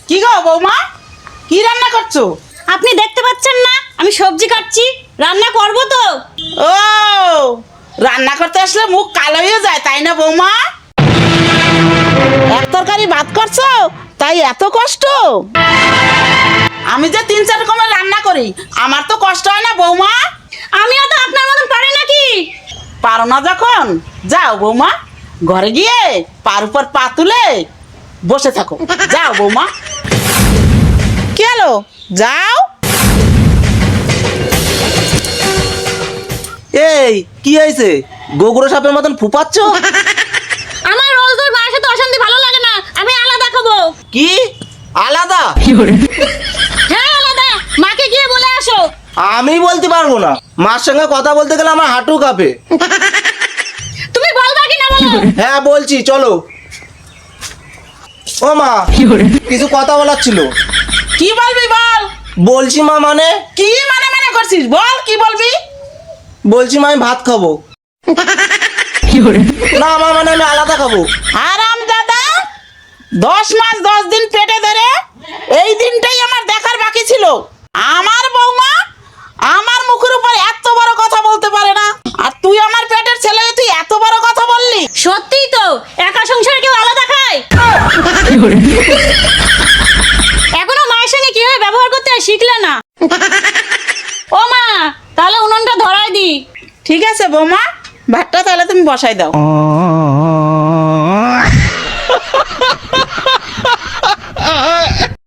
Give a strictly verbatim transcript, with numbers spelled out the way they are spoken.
কি গো বৌমা, কি রান্না করছো? আপনি দেখতে পাচ্ছেন না আমি সবজি কাটছি, রান্না করব তো। ও, রান্না করতে আসলে মুখ কালো হয়ে যায় তাই না বৌমা? এক তরকারি ভাত করছো তাই এত কষ্ট? আমি যে তিন চার রকমের রান্না করি, আমার তো কষ্ট হয় না বৌমা? আমিও তো আপনার মতন পারি নাকি? পারো না যখন, যাও বৌমা, ঘরে গিয়ে পার উপর পা তুলে বসে থাকো। যাও বৌমা। কি হলো, যাও। এই কি হয়েছে, গোগরো সাপের মতন ফুপাচ্ছ? আমার রোজ রোজ মায়ের সাথে অশান্তি ভালো লাগে না, আমি আলাদা খাবো। কি আলাদা? হ্যাঁ আলাদা, মাকে গিয়ে বলে আসো। আমি বলতে পারবো না, মার সঙ্গে কথা বলতে গেলে আমার হাঁটু কাঁপে। তুমি বলবা কি না বলো? হ্যাঁ বলছি, চলো। ও মা, কিছু কথা বলার ছিল। কি বলবি বল। বলছি মা, মানে কি মানে মানে করছিস, বল কি বলবি। বলছি মা, আমি ভাত খাবো। না আমার মানে আমি আলাদা খাবো। আরাম দাদা, দশ মাস দশ দিন পেটে ধরে এই দিনটাই আমার দেখার বাকি ছিল। আমার বৌমা আমার মুখের উপর এত বড় কথা বলতে পারে না, আর তুই আমার পেটের ছেলে, তুই এত বড় কথা বললি। সত্যিই তো, একা সংসারে কেউ আলাদা খায়? এখনো মায়ের সঙ্গে কিভাবে ব্যবহার করতে হয় শিখলে না। ও মা, তাহলে উনুনটা ধরায় দি। ঠিক আছে বৌমা, ভাতটা তাহলে তুমি বসাই দাও। আ